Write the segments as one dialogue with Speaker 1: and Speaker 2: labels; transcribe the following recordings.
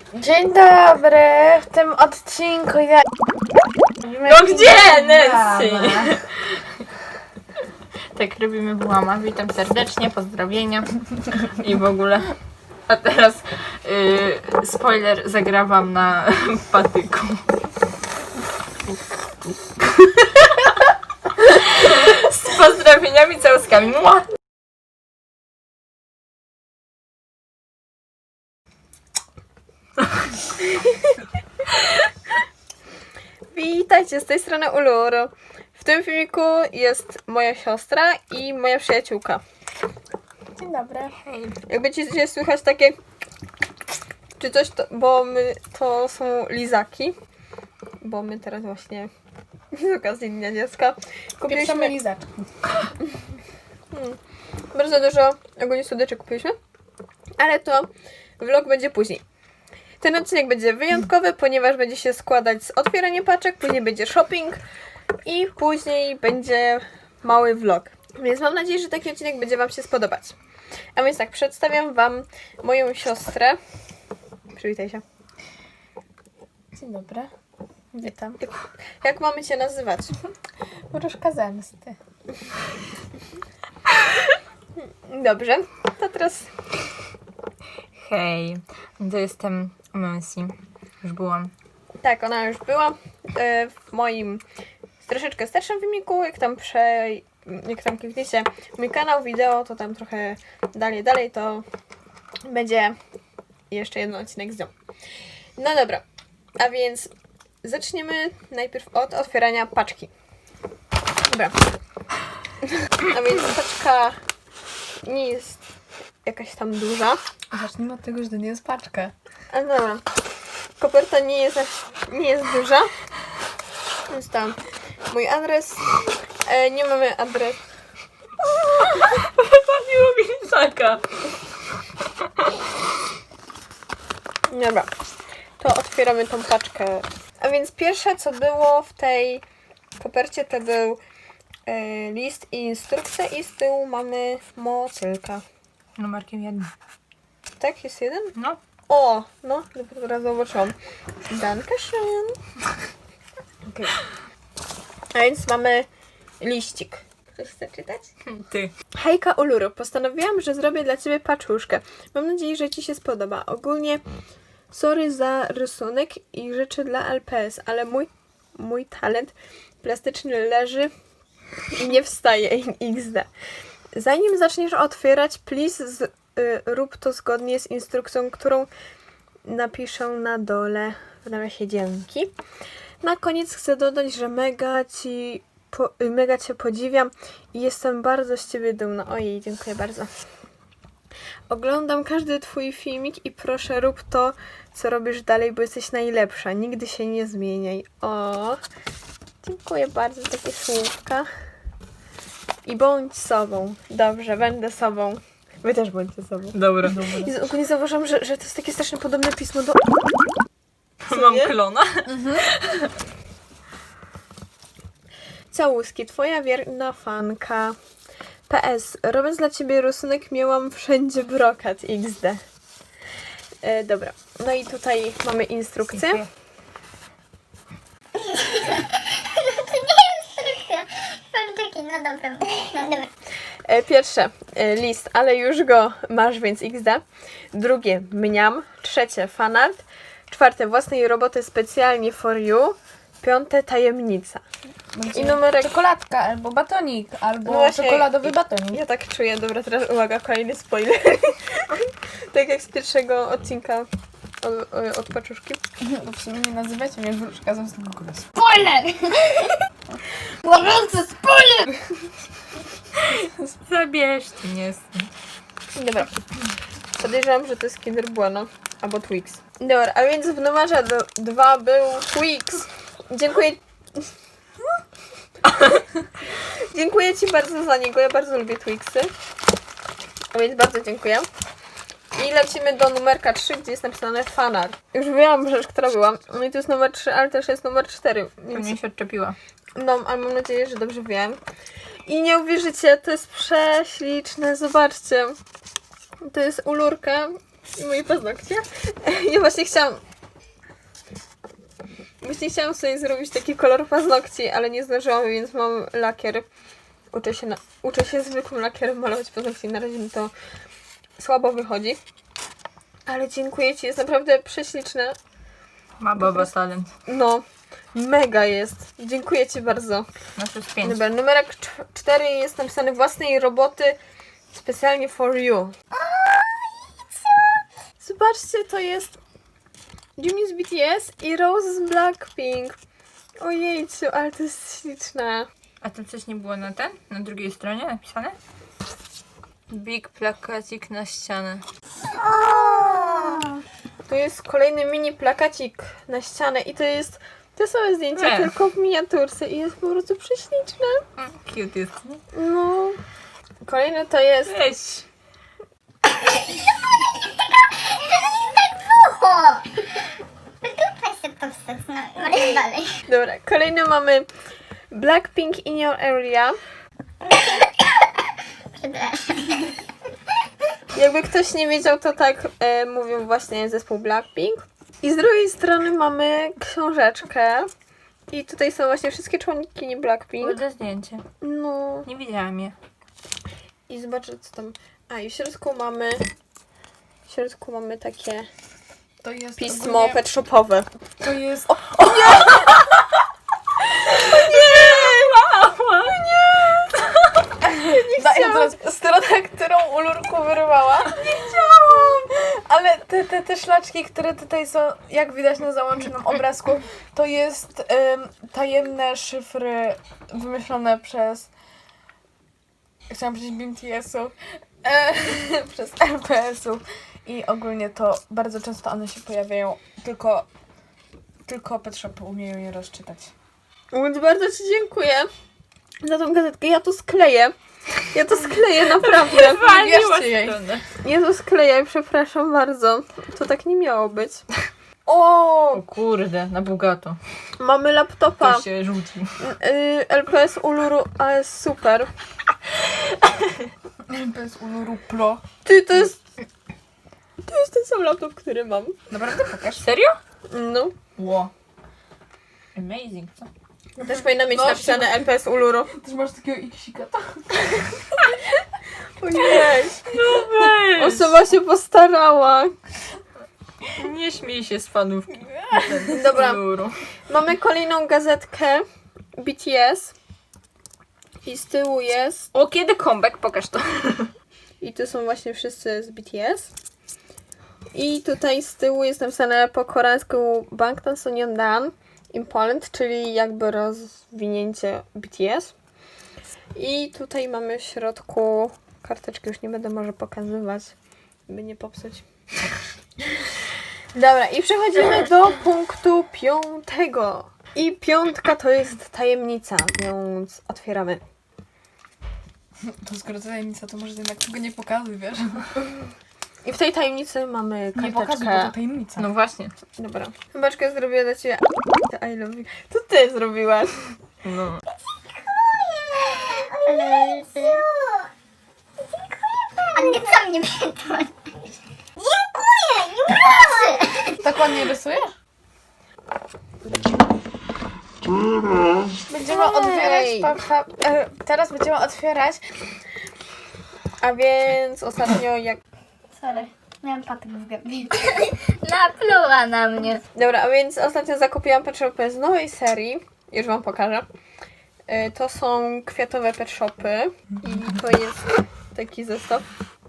Speaker 1: Dzień dobry, w tym odcinku ja...
Speaker 2: No gdzie, Nancy? Tak robimy włama. Witam serdecznie, pozdrowienia i w ogóle. A teraz spoiler, zagrałam na patyku. Z pozdrowieniami, całuskami. Mua!
Speaker 3: Witajcie, z tej strony Uluru. W tym filmiku jest moja siostra i moja przyjaciółka.
Speaker 1: Dzień dobry.
Speaker 3: Jak będziecie słychać takie czy coś, to, bo my to są lizaki. Bo my teraz właśnie z okazji Dnia Dziecka
Speaker 1: Pieprzamy
Speaker 3: kupiliśmy
Speaker 1: lizaczki.
Speaker 3: bardzo dużo ogólnie słodyczy kupiliśmy, ale to vlog będzie później. Ten odcinek będzie wyjątkowy, ponieważ będzie się składać z otwierania paczek, później będzie shopping i później będzie mały vlog. Więc mam nadzieję, że taki odcinek będzie Wam się spodobać. A więc tak, przedstawiam Wam moją siostrę. Przywitaj się.
Speaker 1: Dzień dobry. Witam.
Speaker 3: Jak mamy Cię nazywać?
Speaker 1: Wróżka zemsty.
Speaker 3: Dobrze, to teraz
Speaker 2: Hej, to jestem Nancy. Już byłam.
Speaker 3: tak, ona już była w moim troszeczkę starszym filmiku. Jak tam klikniecie mój kanał, wideo, to tam trochę dalej, to będzie jeszcze jeden odcinek z nią. No dobra, a więc zaczniemy najpierw od otwierania paczki. Dobra. A więc paczka nie jest jakaś tam duża.
Speaker 1: Zacznijmy od tego, że to nie jest paczka.
Speaker 3: A dobra. Koperta nie jest duża. Więc tam mój adres. Nie mamy adres.
Speaker 2: Wypaliło mi lizaka.
Speaker 3: Dobra. To otwieramy tą paczkę. A więc pierwsze co było w tej kopercie to był list i instrukcja i z tyłu mamy motylka.
Speaker 2: Numerkiem 1.
Speaker 3: Tak? Jest jeden?
Speaker 2: No.
Speaker 3: O! No, teraz zobaczyłam. Dankeschön. Okay. A więc mamy liścik. Ktoś chce czytać?
Speaker 2: Ty.
Speaker 3: Hejka Uluru, postanowiłam, że zrobię dla Ciebie paczuszkę. Mam nadzieję, że Ci się spodoba. Ogólnie sorry za rysunek i rzeczy dla LPS, ale mój talent plastyczny leży i nie wstaje XD. Zanim zaczniesz otwierać, please rób to zgodnie z instrukcją, którą napiszę na dole w nawiasie dzięki. Na koniec chcę dodać, że mega Cię podziwiam i jestem bardzo z Ciebie dumna. Ojej, dziękuję bardzo. Oglądam każdy Twój filmik i proszę rób to, co robisz dalej, bo jesteś najlepsza. Nigdy się nie zmieniaj. O, dziękuję bardzo za takie słówka. I bądź sobą. Dobrze, będę sobą. Wy też bądźcie sobą.
Speaker 2: Dobra.
Speaker 3: I ogólnie zauważyłam, że to jest takie strasznie podobne pismo do...
Speaker 2: Mam
Speaker 3: nie?
Speaker 2: klona.
Speaker 3: Całuski, Twoja wierna fanka. PS, robiąc dla Ciebie rysunek miałam wszędzie brokat XD. Dobra, no i tutaj mamy instrukcję.
Speaker 2: Dziękuję.
Speaker 4: No dobra, no dobra.
Speaker 3: Pierwsze, list, ale już go masz, więc XD. Drugie, mniam. Trzecie, fanart. Czwarte, własnej roboty specjalnie for you. Piąte, tajemnica.
Speaker 1: Będzie
Speaker 3: I numerek...
Speaker 1: czekoladka, albo batonik, albo
Speaker 3: No właśnie,
Speaker 1: czekoladowy batonik.
Speaker 3: Ja tak czuję. Dobra, teraz uwaga, kolejny spoiler. Tak jak z pierwszego odcinka od paczuszki.
Speaker 1: Bo w sumie nie nazywacie mnie wróżka zemsty w ogóle.
Speaker 4: Spoiler! Gorący spoiler!
Speaker 2: Zabierzcie mnie.
Speaker 3: Dobra. Podejrzewam, że to jest Kinder Bueno albo Twix. Dobra, a więc w numerze 2 był Twix. Dziękuję. Dziękuję Ci bardzo za niego. Ja bardzo lubię Twixy. A więc bardzo dziękuję. I lecimy do numerka 3, gdzie jest napisane fanart. Już wiem rzecz, która była. No i to jest numer 3, ale też jest numer 4. Więc...
Speaker 2: Mnie się odczepiła.
Speaker 3: No, ale mam nadzieję, że dobrze wiem. I nie uwierzycie, to jest prześliczne. Zobaczcie. To jest ulurka I moje paznokcie. Ja właśnie chciałam sobie zrobić taki kolor paznokci, ale nie zdążyłam, więc mam lakier. Uczę się zwykłym lakierem malować paznokcie. Na razie mi to słabo wychodzi. Ale dziękuję Ci, jest naprawdę prześliczne.
Speaker 2: Ma baba talent.
Speaker 3: No, mega jest. Dziękuję Ci bardzo.
Speaker 2: No to jest 5.
Speaker 3: Dobra, numerek 4 jest napisany własnej roboty specjalnie for you. Zobaczcie, to jest Jimin z BTS i Rose z Blackpink. Ojejciu, ale to jest śliczne.
Speaker 2: A to coś nie było na drugiej stronie napisane? Big plakacik na ścianę.
Speaker 3: To jest kolejny mini plakacik na ścianę i to jest te same zdjęcia, tylko w miniaturce i jest po prostu prześliczne.
Speaker 2: Cute jest, nie?
Speaker 3: No. Kolejny to jest...
Speaker 2: Weź!
Speaker 4: O! Dupaj się to wstać, no. Możesz dalej.
Speaker 3: Dobra, kolejny mamy Blackpink in your area. Jakby ktoś nie wiedział, to tak mówią właśnie zespół Blackpink. I z drugiej strony mamy książeczkę. I tutaj są właśnie wszystkie członkini Blackpink.
Speaker 2: Ładne zdjęcie.
Speaker 3: No.
Speaker 2: Nie widziałam je.
Speaker 3: I zobaczę co tam. A i w środku mamy takie
Speaker 1: To jest
Speaker 3: pismo
Speaker 1: ogólnie-
Speaker 3: pet shopowe.
Speaker 1: To jest... Daję teraz stronę, którą Ulurku wyrwała. Nie chciałam! Ale te szlaczki, które tutaj są, jak widać na załączonym obrazku, to jest tajemne szyfry wymyślone przez... Chciałam powiedzieć BTS-ów. Przez LPS-ów. I ogólnie to bardzo często one się pojawiają, tylko Pet Shopy umieją je rozczytać.
Speaker 3: Więc bardzo Ci dziękuję za tą gazetkę. Ja to skleję. Naprawdę.
Speaker 1: Wierzcie jej.
Speaker 3: Ja to skleję, przepraszam bardzo. To tak nie miało być.
Speaker 2: O kurde, na bogato.
Speaker 3: Mamy laptopa.
Speaker 2: To się rzuci.
Speaker 3: LPS Uluru, ale super.
Speaker 1: LPS Uluru Pro.
Speaker 3: Ty, to jest ten sam laptop, który mam.
Speaker 2: Naprawdę pokaż. Serio?
Speaker 3: No.
Speaker 2: Ło. Amazing, co?
Speaker 3: Też powinna mieć
Speaker 1: No,
Speaker 3: napisane LPS Uluru.
Speaker 1: Też masz takiego iksika.
Speaker 3: Ojej.
Speaker 2: No weź.
Speaker 3: Osoba się postarała.
Speaker 2: Nie śmiej się z fanówki.
Speaker 3: Dobra.
Speaker 2: Luru.
Speaker 3: Mamy kolejną gazetkę BTS. I z tyłu jest...
Speaker 2: O, kiedy comeback? Pokaż to.
Speaker 3: I tu są właśnie wszyscy z BTS. I tutaj z tyłu jest napisane po koreańsku Bangtan Sonyeondan in Poland, czyli jakby rozwinięcie BTS. I tutaj mamy w środku karteczki, już nie będę może pokazywać, by nie popsuć. Dobra, i przechodzimy do punktu 5. I 5 to jest tajemnica, więc otwieramy.
Speaker 1: To skoro to tajemnica, to może jednak tego nie pokazuj, wiesz?
Speaker 3: I w tej tajemnicy mamy
Speaker 1: Nie pokazuj, bo to
Speaker 3: karteczkę.
Speaker 1: tajemnica.
Speaker 2: No właśnie.
Speaker 3: Dobra. Chybaczkę zrobiła dla Ciebie. I love you. To Ty zrobiłaś.
Speaker 2: No.
Speaker 4: A nie co mnie pytasz? Dziękuję, nie proszę.
Speaker 1: Tak ładnie rysujesz? Będziemy
Speaker 3: Ej.
Speaker 1: otwierać... teraz będziemy otwierać...
Speaker 3: A więc ostatnio jak...
Speaker 4: Sorry, miałam patyk w gębie. Napluła na mnie.
Speaker 3: Dobra, a więc ostatnio zakupiłam pet shopy z nowej serii. Już Wam pokażę. To są kwiatowe pet shopy. I to jest taki zestaw.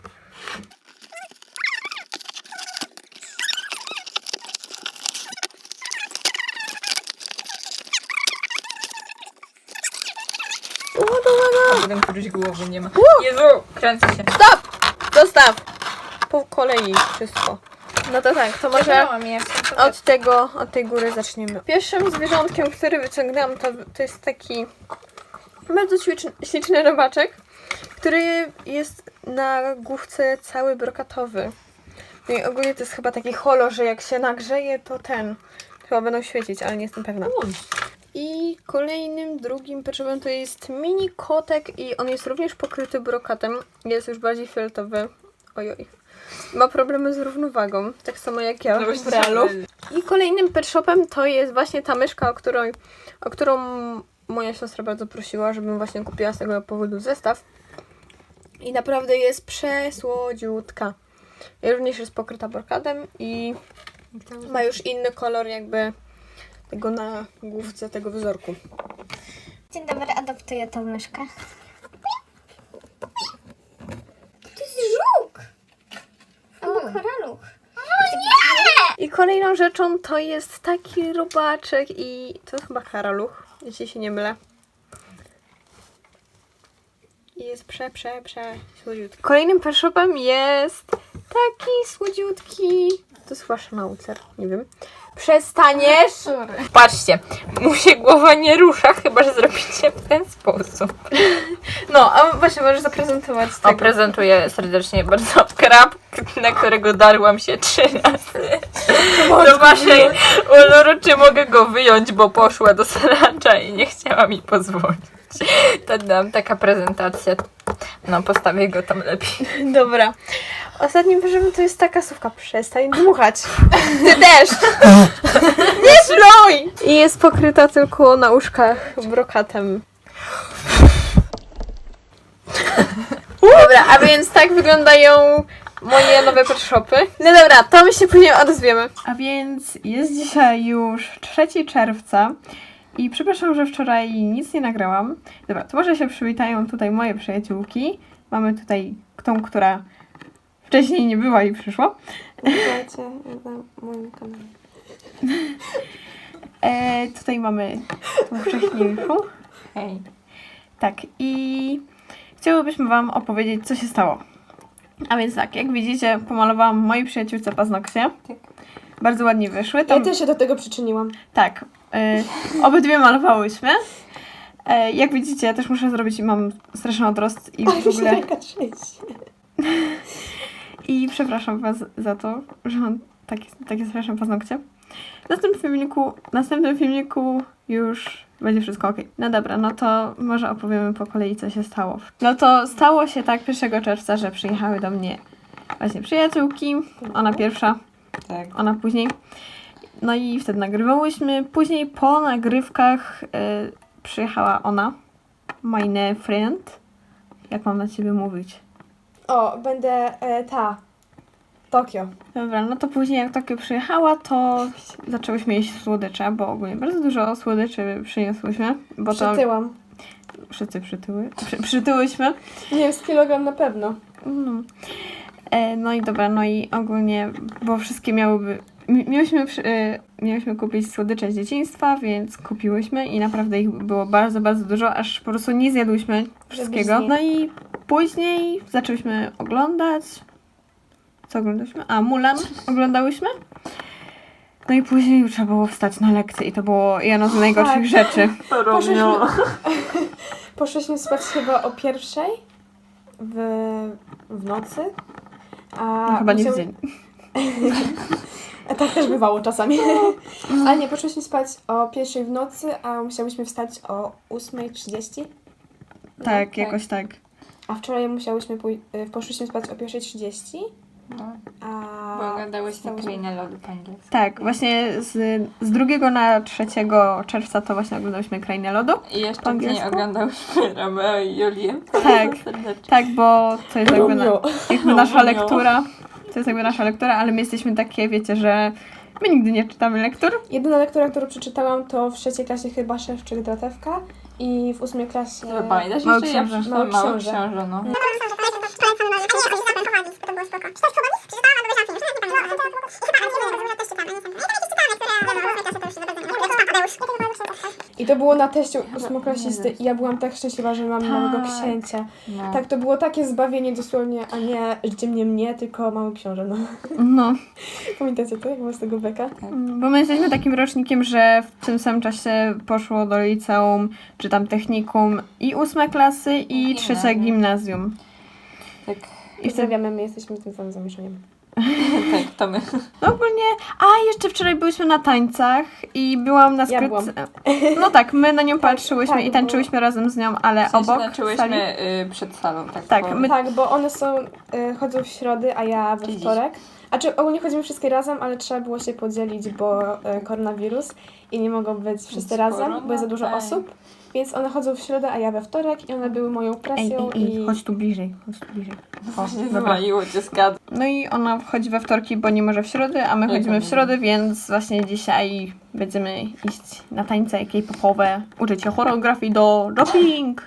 Speaker 2: A potem któryś głowy nie ma. Jezu, kręcę się.
Speaker 3: Stop! Dostaw! Po kolei wszystko. No to tak, to może
Speaker 1: Zabrałam je.
Speaker 3: od tej góry zaczniemy. Pierwszym zwierzątkiem, który wyciągnęłam, to jest taki bardzo śliczny robaczek, który jest na główce cały brokatowy. No i ogólnie to jest chyba taki holo, że jak się nagrzeje, to chyba będą świecić, ale nie jestem pewna. I kolejnym, drugim peczywem to jest mini kotek i on jest również pokryty brokatem. Jest już bardziej fioletowy. Ojoj. ma problemy z równowagą, tak samo jak ja
Speaker 2: No
Speaker 3: w realu. I kolejnym pet shopem to jest właśnie ta myszka, o którą moja siostra bardzo prosiła, żebym właśnie kupiła z tego powodu zestaw. I naprawdę jest przesłodziutka. I również jest pokryta brokadem i ma już inny kolor jakby tego na główce tego wzorku.
Speaker 4: Dzień dobry, adoptuję tą myszkę. To jest żuk! Albo koraluch.
Speaker 3: I kolejną rzeczą to jest taki robaczek i to jest chyba karaluch, jeśli się nie mylę. I jest słodziutki. Kolejnym pet shopem jest taki słodziutki. To jest chyba sznaucer, nie wiem. Przestaniesz!
Speaker 2: Patrzcie, mu się głowa nie rusza, chyba że zrobicie w ten sposób.
Speaker 3: No, a właśnie możesz zaprezentować
Speaker 2: O, prezentuję serdecznie bardzo krab, na którego darłam się 3 razy. Do waszej Ulury, czy mogę go wyjąć, bo poszła do sracza i nie chciała mi pozwolić. To dam taka prezentacja. No, postawię go tam lepiej.
Speaker 3: Dobra. Ostatnim wyżywem to jest taka słówka. Przestań dmuchać. Ty też! Nie szluj! I jest pokryta tylko na uszkach brokatem. Dobra, a więc tak wyglądają moje nowe pet shopy. No dobra, to my się później odezwiemy.
Speaker 5: A więc jest dzisiaj już 3 czerwca i przepraszam, że wczoraj nic nie nagrałam. Dobra, to może się przywitają tutaj moje przyjaciółki. Mamy tutaj tą, która wcześniej nie była i przyszła.
Speaker 3: Witajcie na moim kanale.
Speaker 5: Tutaj mamy tą wcześniejszą.
Speaker 2: Hej.
Speaker 5: Tak, i chciałybyśmy Wam opowiedzieć, co się stało. A więc tak, jak widzicie, pomalowałam mojej przyjaciółce paznokcie.
Speaker 2: Tak.
Speaker 5: Bardzo ładnie wyszły.
Speaker 3: Ja
Speaker 5: Tam,
Speaker 3: też się do tego przyczyniłam.
Speaker 5: tak, obydwie malowałyśmy. Jak widzicie, ja też muszę zrobić i mam straszny odrost i w ogóle... I przepraszam Was za to, że mam takie straszne paznokcie. W następnym filmiku już będzie wszystko ok. No dobra, no to może opowiemy po kolei, co się stało. No to stało się tak 1 czerwca, że przyjechały do mnie właśnie przyjaciółki. Ona pierwsza,
Speaker 2: Tak.
Speaker 5: ona później. No i wtedy nagrywałyśmy. Później po nagrywkach przyjechała ona, meine friend. Jak mam na Ciebie mówić?
Speaker 3: O, będę Tokio.
Speaker 5: Dobra, no to później jak Tokio przyjechała, to zaczęłyśmy jeść słodycze, bo ogólnie bardzo dużo słodyczy przyniosłyśmy. Bo
Speaker 3: Przytyłam.
Speaker 5: to wszyscy przytyłyśmy.
Speaker 3: Nie wiem, z kilogram na pewno.
Speaker 5: No. No i dobra, no i ogólnie, bo wszystkie miałyśmy kupić słodycze z dzieciństwa, więc kupiłyśmy i naprawdę ich było bardzo, bardzo dużo, aż po prostu nie zjadłyśmy wszystkiego.
Speaker 3: zjeść.
Speaker 5: No i później zaczęłyśmy oglądać. Co oglądałyśmy? A, Mulan oglądałyśmy. No i później już trzeba było wstać na lekcję i to było jedno z najgorszych rzeczy.
Speaker 3: Poszliśmy spać chyba o 1:00 w nocy. A
Speaker 5: No, chyba nie w
Speaker 3: musiał-
Speaker 5: dzień.
Speaker 3: A tak też bywało czasami. Ale nie, poszliśmy spać o 1:00 w nocy, a musiałyśmy wstać o 8:30.
Speaker 5: Tak, jakoś tak.
Speaker 3: A wczoraj poszliśmy spać o 1:30.
Speaker 2: No,
Speaker 3: A
Speaker 2: bo oglądałyśmy
Speaker 3: wstałyśmy-
Speaker 2: Krainę Lodu po angielsku.
Speaker 5: Tak, właśnie z 2 na 3 czerwca to właśnie oglądałyśmy Krainę Lodu.
Speaker 2: I jeszcze
Speaker 5: Po
Speaker 2: nie
Speaker 5: angielsku?
Speaker 2: oglądałyśmy Romeo i Julię.
Speaker 5: Tak, tak, bo to jest jakby,
Speaker 3: Romeo.
Speaker 5: jakby nasza lektura. To jest jakby nasza lektura, ale my jesteśmy takie, wiecie, że my nigdy nie czytamy lektur.
Speaker 3: Jedyna lektura, którą przeczytałam, to w 3. klasie chyba Szewczyk Dratewka i w 8. klasie...
Speaker 2: Pamiętasz
Speaker 5: Mały
Speaker 2: jeszcze? Ja
Speaker 5: książę.
Speaker 2: przeczytałam
Speaker 3: Mały
Speaker 2: Mały
Speaker 3: książę.
Speaker 2: Książę, no.
Speaker 3: I to było na teście 8-klasisty i ja byłam tak szczęśliwa, że mam nowego księcia.
Speaker 2: No.
Speaker 3: Tak, to było takie zbawienie dosłownie, a nie życie mnie, tylko Mały Książę, no.
Speaker 5: No,
Speaker 3: Pamiętacie to, jak było z tego beka?
Speaker 5: bo my jesteśmy takim rocznikiem, że w tym samym czasie poszło do liceum, czy tam technikum i 8 klasy i 3
Speaker 2: Gimnazjum.
Speaker 5: gimnazjum.
Speaker 2: Tak.
Speaker 3: I wstawiamy, my jesteśmy tym samym zamieszaniem.
Speaker 2: Tak, to my.
Speaker 5: No ogólnie, jeszcze wczoraj byłyśmy na tańcach i byłam na
Speaker 3: Ja
Speaker 5: skrytce. No tak, my na nią patrzyłyśmy
Speaker 3: tak,
Speaker 5: i tańczyłyśmy razem z nią, ale
Speaker 2: W sensie
Speaker 5: obok sali.
Speaker 2: zaczęłyśmy przed salą.
Speaker 5: Tak,
Speaker 2: po-
Speaker 5: my-
Speaker 3: Tak, bo one są, chodzą w środę, a ja we
Speaker 2: Dziś.
Speaker 3: wtorek. A czy ogólnie chodzimy wszystkie razem, ale trzeba było się podzielić, bo koronawirus i nie mogą być wszyscy razem, bo jest za dużo
Speaker 2: korona,
Speaker 3: osób. Więc one chodzą w środę, a ja we wtorek i one były moją presją i...
Speaker 5: chodź tu bliżej,
Speaker 2: Właśnie
Speaker 5: dobra.
Speaker 2: wywaliło cię z gadu.
Speaker 5: No i ona wchodzi we wtorki, bo nie może w środę, a my chodzimy w środę, więc właśnie dzisiaj będziemy iść na tańce K-popowe, uczyć się choreografii do dropping.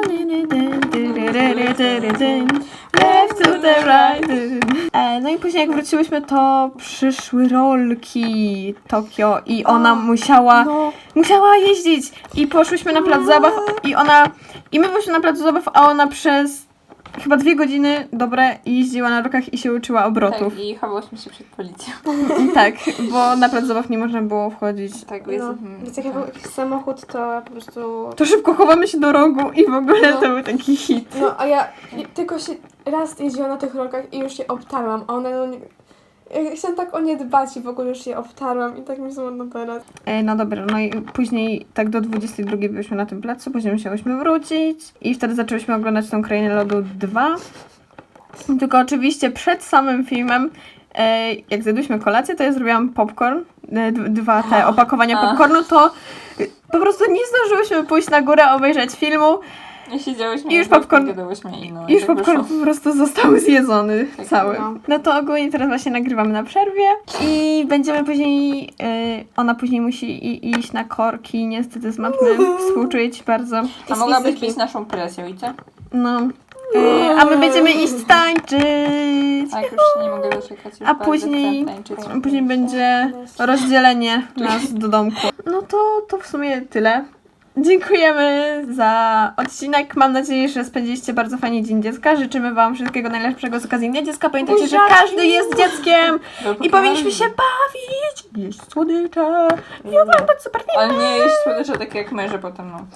Speaker 5: Left to the right. No i później jak wróciłyśmy, to przyszły rolki Tokio i ona musiała jeździć i poszłyśmy na plac zabaw i my byliśmy na placu zabaw, a ona przez chyba 2 godziny dobre jeździła na rolkach i się uczyła obrotów.
Speaker 2: Tak, i chowałyśmy się przed policją.
Speaker 5: Tak, bo na plac zabaw nie można było wchodzić.
Speaker 2: Tak,
Speaker 3: No, więc jak był jakiś samochód, to po prostu...
Speaker 5: To szybko chowamy się do rogu i w ogóle to był taki hit.
Speaker 3: No, a ja tylko się raz jeździłam na tych rolkach i już się obtarłam, a one ja chciałam tak o nie dbać i w ogóle już je obtarłam i tak mi smutno teraz.
Speaker 5: No dobra, no i później tak do 22 byliśmy na tym placu, później musiałyśmy wrócić i wtedy zaczęłyśmy oglądać tą Krainę Lodu 2. Tylko oczywiście przed samym filmem, jak zjadłyśmy kolację, to ja zrobiłam popcorn, 2 te opakowania popcornu, to po prostu nie zdążyłyśmy pójść na górę, obejrzeć filmu.
Speaker 2: I siedziałyśmy
Speaker 5: I już
Speaker 2: i tak
Speaker 5: popcorn-
Speaker 2: gadałyśmy i no.
Speaker 5: I już
Speaker 2: tak
Speaker 5: popcorn
Speaker 2: wyszło.
Speaker 5: po prostu został zjedzony
Speaker 2: Tak,
Speaker 5: cały.
Speaker 3: no.
Speaker 5: No to ogólnie teraz właśnie nagrywamy na przerwie i będziemy później, ona później musi iść na korki, niestety z matmy, współczuję ci bardzo.
Speaker 2: A mogłabyś być naszą presją i co?
Speaker 5: No, a my będziemy iść tańczyć.
Speaker 2: Tak, już się nie mogę doczekać. Już
Speaker 5: A
Speaker 2: bardzo
Speaker 5: później-
Speaker 2: chcę tańczyć.
Speaker 5: Później będzie rozdzielenie nas do domku. No to w sumie tyle. Dziękujemy za odcinek. Mam nadzieję, że spędziliście bardzo fajnie Dzień Dziecka. Życzymy Wam wszystkiego najlepszego z okazji Dnia Dziecka. Pamiętajcie, że każdy jest dzieckiem i powinniśmy się bawić, jeść słodycze i oglądać super filmy.
Speaker 2: Ale nie jeść słodycze takie jak my, że potem no.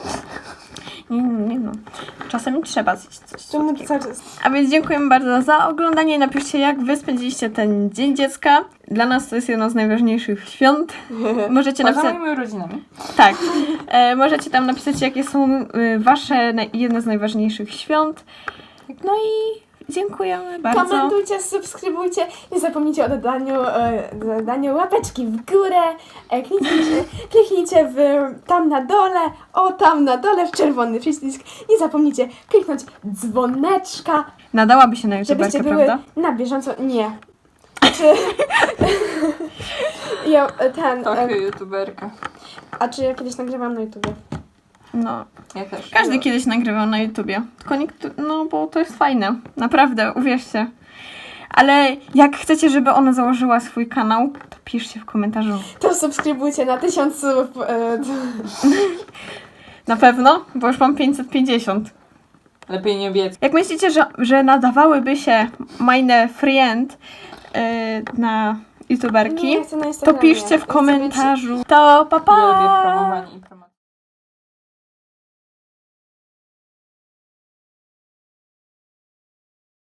Speaker 5: Nie no. Czasem trzeba zjeść coś
Speaker 3: Czemu
Speaker 5: słodkiego.
Speaker 3: cały czas...
Speaker 5: A więc dziękujemy bardzo za oglądanie. Napiszcie, jak Wy spędziliście ten Dzień Dziecka. Dla nas to jest jedno z najważniejszych świąt. Możecie
Speaker 2: Poza
Speaker 5: napisać...
Speaker 2: moimi rodzinami.
Speaker 5: Tak. Możecie tam napisać, jakie są Wasze jedne z najważniejszych świąt. No i dziękujemy bardzo.
Speaker 3: Komentujcie, subskrybujcie, nie zapomnijcie o dodaniu łapeczki w górę, kliknijcie tam na dole, tam na dole w czerwony przycisk, nie zapomnijcie kliknąć dzwoneczka,
Speaker 5: Nadałaby się na
Speaker 3: żebyście
Speaker 5: YouTuberkę,
Speaker 3: były
Speaker 5: prawda?
Speaker 3: na bieżąco, nie. Czy...
Speaker 2: Trochę youtuberka.
Speaker 3: A czy ja kiedyś nagrywam na YouTubie?
Speaker 5: No.
Speaker 2: Ja też.
Speaker 5: Każdy kiedyś nagrywał na YouTubie. Tylko no bo to jest fajne. Naprawdę, uwierzcie. Ale jak chcecie, żeby ona założyła swój kanał, to piszcie w komentarzu.
Speaker 3: To subskrybujcie na 1000 subów.
Speaker 5: Na pewno, bo już mam 550.
Speaker 2: Lepiej nie obiecać.
Speaker 5: Jak myślicie, że nadawałyby się meine friend na YouTuberki,
Speaker 3: Nie, chcę na
Speaker 5: to
Speaker 3: Instagramie.
Speaker 5: piszcie w
Speaker 3: Chcę być-
Speaker 5: komentarzu. To pa pa!
Speaker 2: Ja lubię promowanie.